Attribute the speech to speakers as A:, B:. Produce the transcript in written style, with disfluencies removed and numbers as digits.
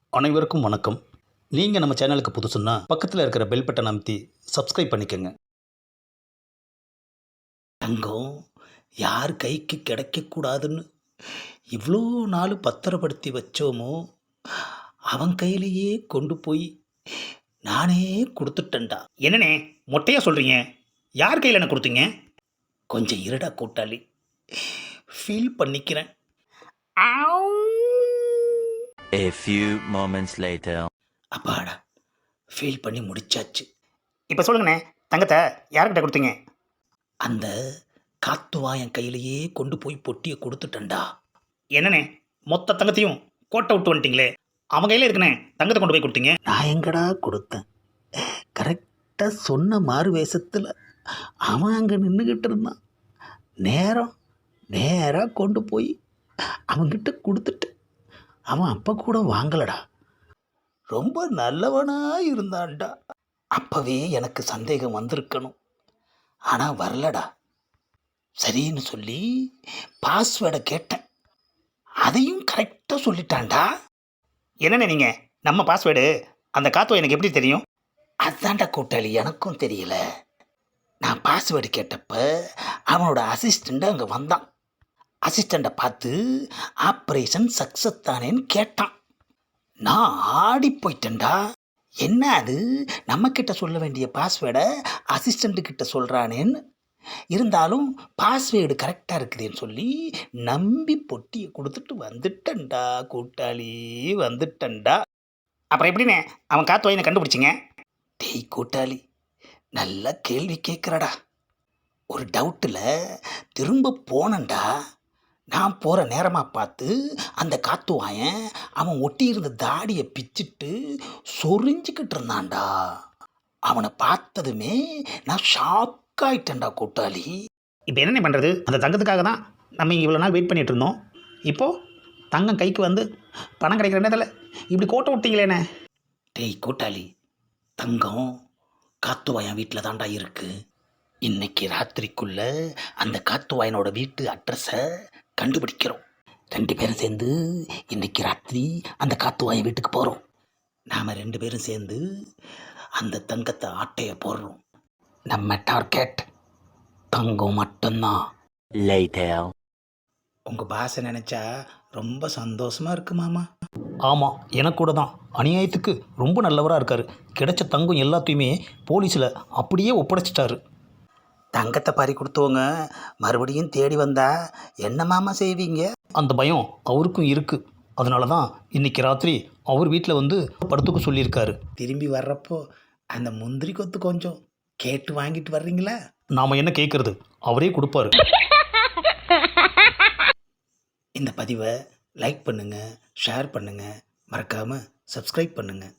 A: அனைவருக்கும் வணக்கம். நீங்கள் நம்ம சேனலுக்கு புதுசுன்னா பக்கத்தில் இருக்கிற பெல் பட்டன் அமைத்தி சப்ஸ்கிரைப் பண்ணிக்கோங்க. தங்கம் யார் கைக்கு கிடைக்கக்கூடாதுன்னு இவ்வளோ நாள் பத்திரப்படுத்தி வச்சோமோ அவன் கையிலேயே கொண்டு போய் நானே கொடுத்துட்டேன்டா. என்னண்ணே மொட்டையாக சொல்கிறீங்க? யார் கையில் என்ன கொடுத்தீங்க? கொஞ்சம் இருடா கூட்டாளி, ஃபீல் பண்ணிக்கிறேன்.
B: A few moments later.
A: அப்பாடா, ஃபீல் பண்ணி முடிச்சாச்சு. இப்போ சொல்லுங்கண்ணே, தங்கத்தை யார்கிட்ட கொடுத்தீங்க? அந்த காத்துவாயன் கையிலேயே கொண்டு போய் பொட்டியை கொடுத்துட்டேன்டா. என்னண்ணே மொத்த தங்கத்தையும் கோட்டை விட்டு வந்துட்டீங்களே, அவன் கையில் இருக்குண்ணே தங்கத்தை கொண்டு போய் கொடுத்தீங்க. நான் எங்கடா கொடுத்தேன்? கரெக்டாக சொன்ன மாறு வேஷத்தில் அவன் அங்கே நின்றுக்கிட்டு இருந்தான். நேராக கொண்டு போய் அவன்கிட்ட கொடுத்துட்டு அவன் அப்போ கூட வாங்கலடா. ரொம்ப நல்லவனாக இருந்தான்டா. அப்போவே எனக்கு சந்தேகம் வந்திருக்கணும், ஆனால் வரலடா. சரின்னு சொல்லி பாஸ்வேர்டை கேட்டேன், அதையும் கரெக்டாக சொல்லிட்டான்டா. என்னண்ணே நீங்கள் நம்ம பாஸ்வேர்டு அந்த காத்துவ எனக்கு எப்படி தெரியும்? அதான்டா கூட்டாளி, எனக்கும் தெரியல. நான் பாஸ்வேர்டு கேட்டப்ப அவனோட அசிஸ்டண்ட்டு அங்கே வந்தான். அசிஸ்டண்ட்டை பார்த்து ஆப்ரேஷன் சக்ஸஸ் தானேன்னு கேட்டான். நான் ஆடி போயிட்டேன்டா. என்ன அது, நம்மக்கிட்ட சொல்ல வேண்டிய பாஸ்வேர்டை அசிஸ்டண்ட்டுக்கிட்ட சொல்கிறானேன்னு. இருந்தாலும் பாஸ்வேர்டு கரெக்டாக இருக்குதுன்னு சொல்லி நம்பி பொட்டியை கொடுத்துட்டு வந்துட்டேன்டா கூட்டாளி, வந்துட்டேன்டா. அப்புறம் எப்படிண்ணே அவன் காத்து வாயினை கண்டுபிடிச்சிங்க? டேய் கூட்டாளி, நல்ல கேள்வி கேட்குறடா. ஒரு டவுட்டில் திரும்ப போனேன்டா. நான் போகிற நேரமாக பார்த்து அந்த காத்துவாயன் அவன் ஒட்டியிருந்த தாடியை பிச்சுட்டு சொரிஞ்சிக்கிட்டு இருந்தான்டா. அவனை பார்த்ததுமே நான் ஷாக் ஆகிட்டேன்டா கூட்டாளி. இப்போ என்ன பண்ணுறது? அந்த தங்கத்துக்காக தான் நம்ம இங்கே இவ்வளோ நாள் வெயிட் பண்ணிகிட்டு இருந்தோம். இப்போது தங்கம் கைக்கு வந்து பணம் கிடைக்கிற நேரத்தில் இப்படி கோட்டை விட்டீங்களேண்ணே. டேய் கூட்டாளி, தங்கம் காத்துவாயன் வீட்டில் தான்டா இருக்குது. இன்னைக்கு ராத்திரிக்குள்ளே அந்த காத்துவாயனோட வீட்டு அட்ரஸை கண்டுபிடிக்கிறோம். 2 பேரும் சேர்ந்து இன்னைக்கு ராத்திரி அந்த காத்துவாயன் வீட்டுக்கு போகிறோம். நாம் 2 பேரும் சேர்ந்து அந்த தங்கத்தை ஆட்டையை போடுறோம். நம்ம டார்கெட் தங்கம் மட்டும்தான்.
B: Later.
A: உங்கள் பாசை நினச்சா ரொம்ப சந்தோஷமாக இருக்கு மாமா. ஆமாம், எனக்கு கூட தான். அநியாயத்துக்கு ரொம்ப நல்லவராக இருக்கார். கிடைச்ச தங்கம் எல்லாத்தையுமே போலீஸில் அப்படியே ஒப்படைச்சிட்டாரு. தங்கத்தை பறி கொடுத்தவங்க மறுபடியும் தேடி வந்தா என்ன மாமா செய்வீங்க? அந்த பயம் அவருக்கும் இருக்குது. அதனால தான் இன்றைக்கி ராத்திரி அவர் வீட்டில் வந்து படுத்துக்க சொல்லியிருக்காரு. திரும்பி வர்றப்போ அந்த முந்திரி கொத்து கொஞ்சம் கேட்டு வாங்கிட்டு வர்றீங்களா? நாம் என்ன கேட்குறது, அவரே கொடுப்பாரு. இந்த பதிவை லைக் பண்ணுங்கள், ஷேர் பண்ணுங்கள், மறக்காமல் சப்ஸ்கிரைப் பண்ணுங்கள்.